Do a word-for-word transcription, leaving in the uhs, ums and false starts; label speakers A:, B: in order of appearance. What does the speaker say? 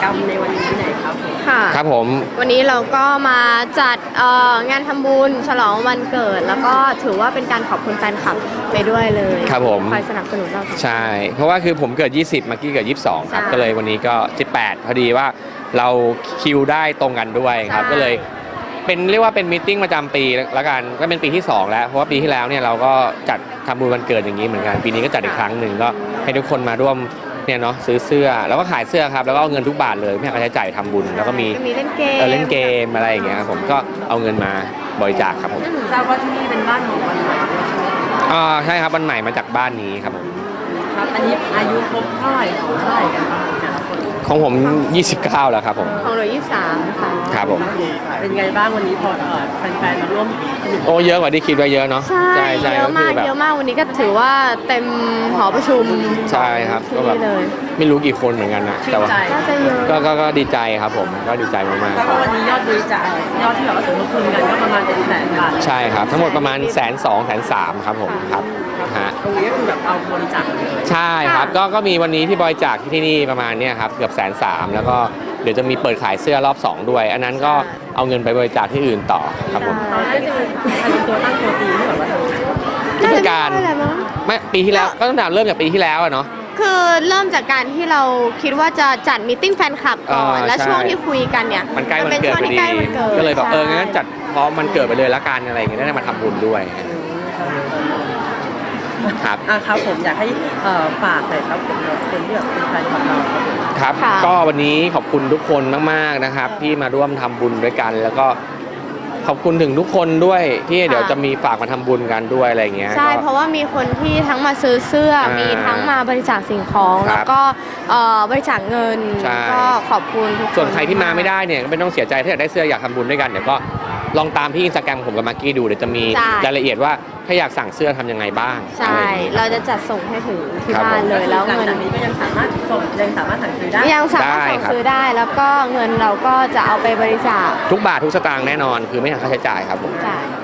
A: รรมในวันนี้ไหนครับ
B: ค่ะ
C: ครับผม
B: วันนี้เราก็มาจัดงานทำบุญฉลองวันเกิดแล้วก็ถือว่าเป็นการขอบคุณแฟนคลับไปด้วยเลย
C: ครับผม
B: คอยสนับสนุนเรา
C: ใช่เพราะว่าคือผมเกิดยี่สิบมากกี้เกิดยี่สิบสองครับก็เลยวันนี้ก็สิบแปดพอดีว่าเราคิวได้ตรงกันด้วยครับก็เลยเป็นเรียกว่าเป็นมีตติ้งประจำปีแล้วกันก็เป็นปีที่สองแล้วเพราะว่าปีที่แล้วเนี่ยเราก็จัดทำบุญวันเกิดอย่างนี้เหมือนกันปีนี้ก็จัดอีกครั้งหนึ่งก็ให้ทุกคนมาร่วมเนี่ยเนาะซื้อเสื้อแล้วก็ขายเสื้อครับแล้วก็เอาเงินทุกบาทเลยไม่หักค่าใช้จ่ายทำบุญแล้วก็มี
B: เล่นเกม
C: เล่นเกมอะไรอย่างเงี้ยครับผมก็เอาเงินมาบริจาคครับผม
A: ทราบว่าที่นี่เป็นบ้านของวันใหม่
C: อ่าใช่ครับวันใหม่มาจากบ้านนี้ครับผม
A: ครับอันนี้อายุครบเท่าไหร่เท่าไหร่กันครับ
C: ของผมยี่สิบเก้าแล้วครับผม
B: ของเรายี่สิบสามค่ะ
C: ครับผม
A: เป็นไงบ้างวันนี้พอแฟนๆมาร่วม
C: โอ้เยอะกว่าที่คิดไว้เยอะเนาะ
B: ใช่เยอะมากเยอะมากวันนี้ก็ถือว่าเต็มหอประชุม
C: ใช่ครับก็แบบไม่รู้กี่คนเหมือนกันนะแต่ว่าก็ก็ก็ดีใจครับผมก็ดีใจมากๆ
A: แล้วก็วันนี้ยอดบริจาคยอดที่แบบว่าสมทบทุนกันก็ประมาณเป็นแสนบาท
C: ใช่ครับทั้งหมดประมาณแสนสองแสนสามครับผมครับ
A: ฮะตรงนี้ก็คือแบบเอาบริจาคเลย
C: ใช่ครับก็ก็มีวันนี้ที่บริจาคที่ที่นี่ประมาณเนี้ยครับเกือบแสนสามแล้วก็เดี๋ยวจะมีเปิดขายเสื้อรอบสองด้วยอันนั้นก็เอาเงินไปบริจาคที่อื่นต่อครับผม
A: ตอนแรกจะมีตัวตั้งตัวตีที่แบบว่า
C: ผู้จัดการไม่ปีที่แล้วก็ต้องเริ่มจากปีที่แล้วอะเนาะ
B: คือเริ่มจากการที่เราคิดว่าจะจัดมีตติ้งแฟนคลับก่อนแล้วช่วงที่คุยกันเนี่ย
C: มันใกล้วันเกิดพอดีก็เลยแบบเอองั้นจัดเพราะมันเกิดไปเลยละกันอะไรอย่างเงี้ยได้มาทำบุญด้วยครับ
A: อ่ะครับผมอยากให้ฝากหน่อยครับผมคนที่แบบเป็นแฟนคลับเรา
C: ครับก็วันนี้ขอบคุณทุกคนมากๆนะครับที่มาร่วมทำบุญด้วยกันแล้วก็ขอบคุณถึงทุกคนด้วยที่เดี๋ยวจะมีฝากมาทำบุญกันด้วยอะไรเงี้ย
B: ใช่เพราะว่ามีคนที่ทั้งมาซื้อเสื้อมีทั้งมาบริจาคสิ่งของแล้วก็บริจาคเงินก็ขอบคุณทุกคน
C: ส่วนใครที่มาไม่ได้เนี่ยก็ไม่ต้องเสียใจถ้าอยากได้เสื้ออยากทำบุญด้วยกันเดี๋ยวก็ลองตามที่อินสตาแกรมผมกับมากกี้ดูเดี๋ยวจะมีรายละเอียดว่าถ้าอยากสั่งเสื้อทำยังไงบ้าง
B: ใช่เราจะจัดส่งให้ถึงที่บ้านเลยแล้วเงิน
A: นี้ก็ยังสามารถส่งยังสามารถสั่งซื้อได้
B: ยังสามารถสั่งซื้อได้แล้วก็เงินเราก็จะเอาไปบริจาค
C: ทุกบาททุกสตางค์แน่นอนคือไม่หักค่าใช้จ่ายครับผม
B: ใช่